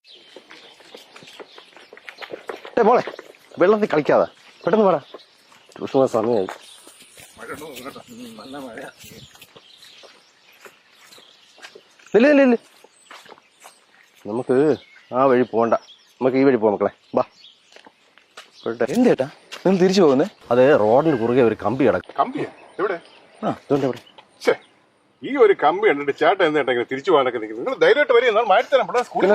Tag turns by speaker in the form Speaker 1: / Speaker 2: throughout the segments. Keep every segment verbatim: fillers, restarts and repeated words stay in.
Speaker 1: മോളെ വെള്ളത്തിൽ കളിക്കാതെ പെട്ടെന്ന് പറ ട്യൂഷൻ സമയമായി. ഇല്ല ഇല്ല ഇല്ല നമുക്ക് ആ വഴി പോണ്ട, നമുക്ക് ഈ വഴി പോവാം മക്കളെ. ബാ.
Speaker 2: എന്തേട്ടാ നിങ്ങൾ തിരിച്ചു പോകുന്നേ?
Speaker 1: അത് റോഡിന് കുറുകെ ഒരു കമ്പി കിടക്കും.
Speaker 3: കമ്പിയാ എവിടെ?
Speaker 1: ആ അതുകൊണ്ട് എവിടെ
Speaker 3: ഈ ഒരു കമ്പി കണ്ടിട്ട് ചേട്ടൻ എന്താ തിരിച്ചു പോകാനൊക്കെ നിൽക്കുന്നത്? നിങ്ങൾ ധൈര്യമായിട്ട് വരിക, മാറ്റി തരാം. സ്കൂളിൽ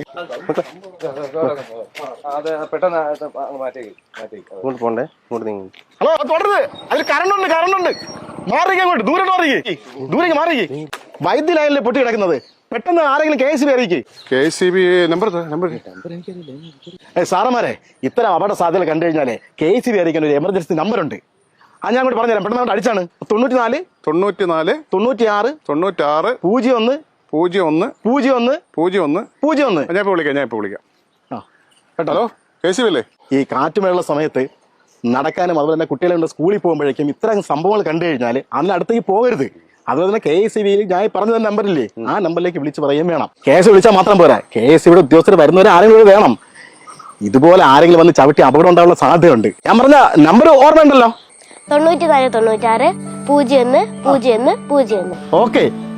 Speaker 1: ഇങ്ങോട്ട് പോണ്ടേ, ഇങ്ങോട്ട് നീങ്ങി.
Speaker 2: ഹലോ തുടരുത്, അതിൽ കറണ്ടുണ്ട് കറണ്ടുണ്ട്. മാറിക്കേ അങ്ങോട്ട്, ദൂരെ മാറിക്കേ, ദൂരേക്ക് മാറിക്കേ. വൈദ്യുതി ലൈനിൽ പൊട്ടി കിടക്കുന്നത്, പെട്ടെന്ന് ആരെങ്കിലും കെ എസ് ബി അറിയിക്കേ.
Speaker 3: K C B number number
Speaker 2: സാറന്മാരെ, ഇത്തരം അപകട സാധ്യത കണ്ടു കഴിഞ്ഞാലേ കെ എസ് ബി അറിയിക്കാൻ ഒരു എമർജൻസി നമ്പർ ഉണ്ട്. ആ ഞാൻ അങ്ങോട്ട് പറഞ്ഞുതരാം, പെട്ടെന്ന് അങ്ങോട്ട് അടിച്ചാണ്. തൊണ്ണൂറ്റി നാല്
Speaker 3: തൊണ്ണൂറ്റി നാല്
Speaker 2: തൊണ്ണൂറ്റി ആറ്
Speaker 3: തൊണ്ണൂറ്റി ആറ്
Speaker 2: പൂജ്യം ഒന്ന്
Speaker 3: പൂജ്യം ഒന്ന്
Speaker 2: പൂജ്യം ഒന്ന്
Speaker 3: പൂജ്യം ഒന്ന്
Speaker 2: പൂജ്യം ഒന്ന്.
Speaker 3: ഞാൻ ഇപ്പോൾ വിളിക്കാം, ഞാൻ ഇപ്പോൾ വിളിക്കാം.
Speaker 2: ആ കേട്ടോ.
Speaker 3: ഹലോ, കെ സി ബി അല്ലേ?
Speaker 2: ഈ കാറ്റുമഴയുള്ള സമയത്ത് നടക്കാനും അതുപോലെ തന്നെ കുട്ടികളെ കൊണ്ട് സ്കൂളിൽ പോകുമ്പോഴേക്കും ഇത്തരം സംഭവങ്ങൾ കണ്ടു കഴിഞ്ഞാൽ അതിന് അടുത്തേക്ക് പോകരുത്. അതുപോലെ തന്നെ കെ എസ് ബിയിൽ ഞാൻ പറഞ്ഞ നമ്പറില്ലേ, ആ നമ്പറിലേക്ക് വിളിച്ച് പറയുകയും വേണം. കെ എസ് വിളിച്ചാൽ മാത്രം പോരാ, കെ എസ് ഇവിടെ ഉദ്യോഗസ്ഥർ വരുന്നവരെ ആരെങ്കിലും വേണം. ഇതുപോലെ ആരെങ്കിലും വന്ന് ചവിട്ടി അപകടം ഉണ്ടാവാനുള്ള സാധ്യതയുണ്ട്. ഞാൻ പറഞ്ഞ നമ്പർ ഓർമ്മയുണ്ടല്ലോ,
Speaker 4: തൊണ്ണൂറ്റി നാല് തൊണ്ണൂറ്റാറ് പൂജ്യം ഒന്ന് പൂജ്യം ഒന്ന് പൂജ്യം ഒന്ന്.
Speaker 2: ഓക്കെ.